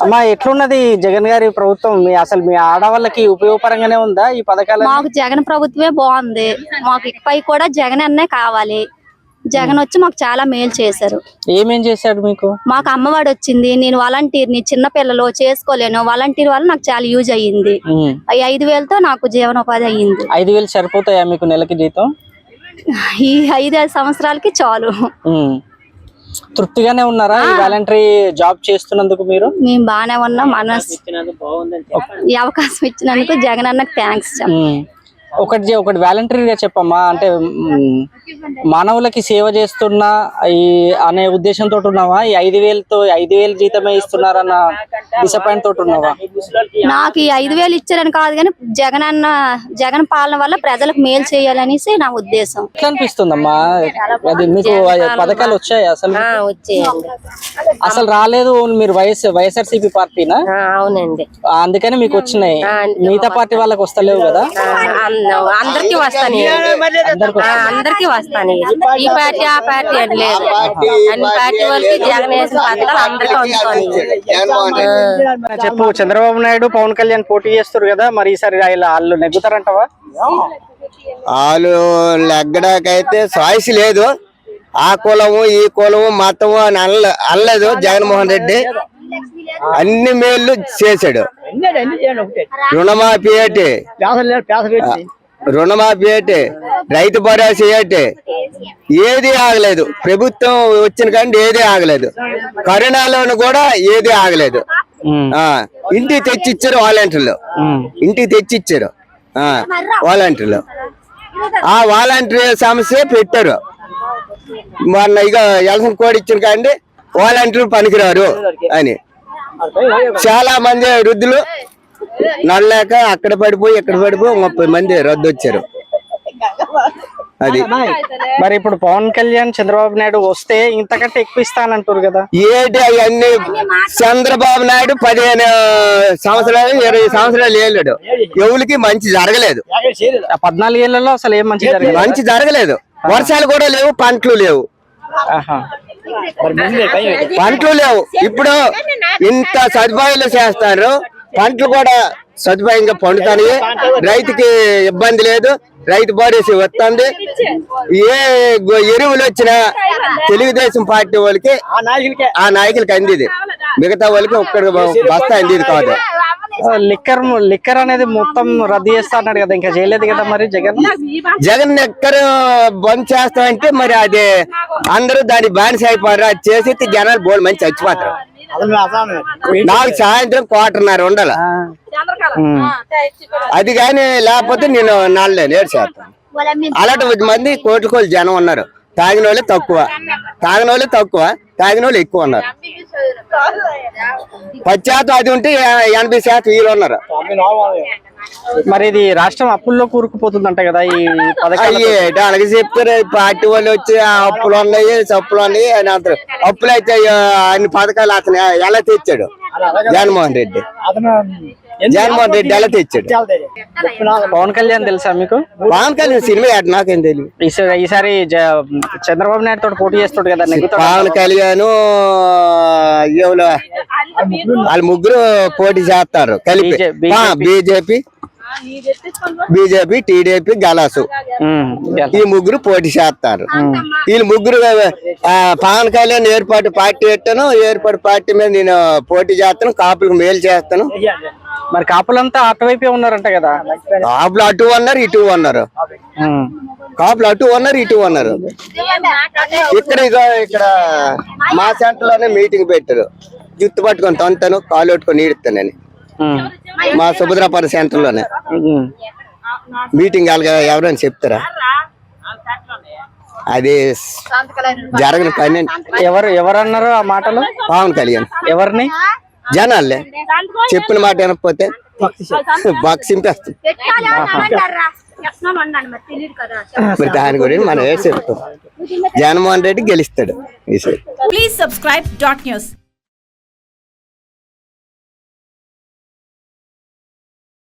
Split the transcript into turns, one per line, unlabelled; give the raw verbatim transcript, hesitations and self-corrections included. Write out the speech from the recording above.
అమ్మా ఎట్లున్నది జగన్ గారి ప్రభుత్వం? మీ అసలు మీ ఆడవాళ్ళకి ఉపయోగపరంగానే ఉందా ఈ పథకాలు?
మాకు జగన్ ప్రభుత్వమే బాగుంది. మాకు ఇకపై కూడా జగన్ అన్నే కావాలి. జగన్ వచ్చి మాకు చాలా మేలు చేశారు.
ఏమేం చేశాడు మీకు?
మాకు అమ్మవాడు వచ్చింది. నేను వాలంటీర్ని, చిన్న పిల్లలు చేసుకోలేను. వాలంటీర్ వల్ల నాకు చాలా యూజ్ అయ్యింది. ఈ ఐదు వేలతో నాకు జీవనోపాధి అయ్యింది.
ఐదు వేలు సరిపోతాయా మీకు నెలకి జీతం?
ఈ ఐదు సంవత్సరాలకి చాలు.
తృప్తిగానే ఉన్నారా ఈ వాలంటరీ జాబ్ చేస్తున్నందుకు? మీరు
మేము బాగానే ఉన్నాం. మనస్ ఈ అవకాశం ఇచ్చినందుకు జగన్ అన్నకు థ్యాంక్స్.
ఒకటి ఒకటి వాలంటరీగా చెప్పమ్మా, అంటే మానవులకి సేవ చేస్తున్నా ఈ అనే ఉద్దేశంతో ఉన్నావా? ఈ ఐదు వేలతో ఐదు వేలు జీతమే ఇస్తున్నారన్న డిసప్పాయింట్ తోటి ఉన్నావా?
నాకు ఈ ఐదు వేలు ఇచ్చారని కాదు, కానీ జగన్ అన్న జగన్ పాలన వల్ల ప్రజలకు మేలు చేయాలనేసి నా ఉద్దేశం.
ఎట్లా అనిపిస్తుందమ్మా? అది మీకు పథకాలు వచ్చాయి? అసలు అసలు రాలేదు. మీరు వైఎస్ వైఎస్ఆర్సీపీ పార్టీనా?
అవునండి,
అందుకని మీకు వచ్చినాయి. మిగతా పార్టీ వాళ్ళకి వస్తలేవు కదా?
అందరికి వస్తాను, అందరికి వస్తాను. ఈ పార్టీ ఆ పార్టీ అని లేదు, అన్ని పార్టీ వాళ్ళకి జగన్ వేసిన పథకాలు అందరికీ వస్తాను.
చెప్పు, చంద్రబాబు నాయుడు పవన్ కళ్యాణ్ పోటీ చేస్తారు కదా, మరి ఈసారి వాళ్ళు నెగ్గుతారంటవా?
వాళ్ళు నెగ్గడాకైతే చాయిస్ లేదు. ఆ కులము ఈ కులము మతము అని అల్ల అనలేదు. జగన్మోహన్ రెడ్డి అన్ని మేలు చేశాడు. రుణమాఫీ ఏంటి, రుణమాఫీ ఏంటి, రైతు భరోసా ఏంటి, ఏది ఆగలేదు. ప్రభుత్వం వచ్చిన కానీ ఏది ఆగలేదు. కరోనాలోను కూడా ఏది ఆగలేదు. ఆ ఇంటికి తెచ్చిచ్చారు వాలంటీర్లు, ఇంటికి తెచ్చిచ్చారు వాలంటీర్లు. ఆ వాలంటీర్ సమస్య పెట్టారు. మొన్న ఇక ఎలక్షన్ కోడ్ ఇచ్చిన కానీ వాలంటీర్లు పనికిరారు అని చాలా మంది వృద్ధులు నడలేక అక్కడ పడిపోయి ఇక్కడ పడిపోయి ముప్పై మంది రద్దు వచ్చారు. అది
మరి ఇప్పుడు పవన్ కళ్యాణ్ చంద్రబాబు నాయుడు వస్తే ఇంతకంటే ఎక్కువ ఇస్తానంటారు కదా?
ఏంటి అవన్నీ? చంద్రబాబు నాయుడు పదిహేను సంవత్సరాలు ఇరవై సంవత్సరాలు ఏళ్ళాడు, ఎవరికి మంచి జరగలేదు.
పద్నాలుగు ఏళ్లలో అసలు ఏం మంచి జరగలేదు.
మంచి జరగలేదు. వర్షాలు కూడా లేవు, పంటలు లేవు, పంటలు లేవు. ఇప్పుడు ఇంత సదుపాయాలు చేస్తారు, పంటలు కూడా సదుపాయంగా పండుతాయి. రైతుకి ఇబ్బంది లేదు, రైతు భరోసా వస్తుంది. ఏ ఎరువులు వచ్చినా తెలుగుదేశం పార్టీ వాళ్ళకి ఆ నాయకులకి అందిది, మిగతా వాళ్ళకి ఒక్కడికి బస్తా అందిది కాదు.
లిక్కర్ లిక్కర్ అనేది మొత్తం రద్దు చేస్తా అన్నాడు కదా, ఇంకా చేయలేదు కదా మరి జగన్?
జగన్ లిక్కర్ బంద్ చేస్తామంటే మరి అది అందరూ దాన్ని బానిస అయిపోయారు. అది చేసి జనాలు బోల్డ్ మంచి చచ్చిపోతారు. నాకు సాయంత్రం క్వార్టర్న్నర ఉండాలి. అది కానీ లేకపోతే నేను నాలుగు నేడు చేస్తాను. అలాంటి మంది కోట్ల కోట్ల జనం ఉన్నారు. తాగిన వాళ్ళు తక్కువ, తాగిన వాళ్ళు తక్కువ, తాగిన వాళ్ళు ఎక్కువ ఉన్నారు. పది శాతం అది ఉంటే ఎనభై శాతం వీళ్ళు ఉన్నారు.
మరి ఇది రాష్ట్రం అప్పుల్లో కూరుకుపోతుందంట కదా ఈ పథకాలు?
అలాగే చెప్తారు. పార్టీ వాళ్ళు వచ్చి అప్పులు ఉన్నాయి, చప్పులు ఉన్నాయి అని అంటారు. అప్పులు అయితే అన్ని పథకాలు అతను ఎలా తెచ్చాడు జగన్మోహన్ రెడ్డి? జగన్మోహన్ రెడ్డి ఎలా తెచ్చాడు?
పవన్ కళ్యాణ్ తెలుసా మీకు?
పవన్ కళ్యాణ్ సినిమా ఆట నాకేం తెలియదు.
ఈసారి చంద్రబాబు నాయుడు తోటి పోటీ చేస్తాడు కదా,
పవన్ కళ్యాణ్ వాళ్ళు ముగ్గురు పోటీ చేస్తారు కలిపి. బీజేపీ బీజేపీ టీడీపీ గలాసు ఈ ముగ్గురు పోటీ చేస్తారు. వీళ్ళు ముగ్గురు పవన్ కళ్యాణ్ ఏర్పాటు పార్టీ పెట్టాను, ఏర్పాటు పార్టీ మీద నేను పోటీ చేస్తాను, కాపులకు మేలు చేస్తాను.
మరి కాపులంతా అటువైపే ఉన్నారంట కదా?
కాపులు అటు ఉన్నారు, ఇటు ఉన్నారు. కాపులు అటు ఉన్నారు, ఇటు ఉన్నారు. ఇక్కడ ఇక్కడ మా సెంటర్ లోనే మీటింగ్ పెట్టారు. జుత్తు పట్టుకొని తొంతాను, కాలు పట్టుకొని ఈడుతానని మా సుభద్రాపురం సెంటర్ లోనే మీటింగ్ ఎవరైనా చెప్తారా? అది జరగని పని.
ఎవరు ఎవరన్నారు ఆ మాటలు?
పవన్ కళ్యాణ్.
ఎవరిని?
జనాలే చెప్పిన మాట వినకపోతే బాక్స్ చింపేస్తుంది. మరి దాని గురించి మనం ఏ చెప్తాం? జగన్మోహన్ రెడ్డి గెలుస్తాడు ఈసారి.
Please subscribe dot news.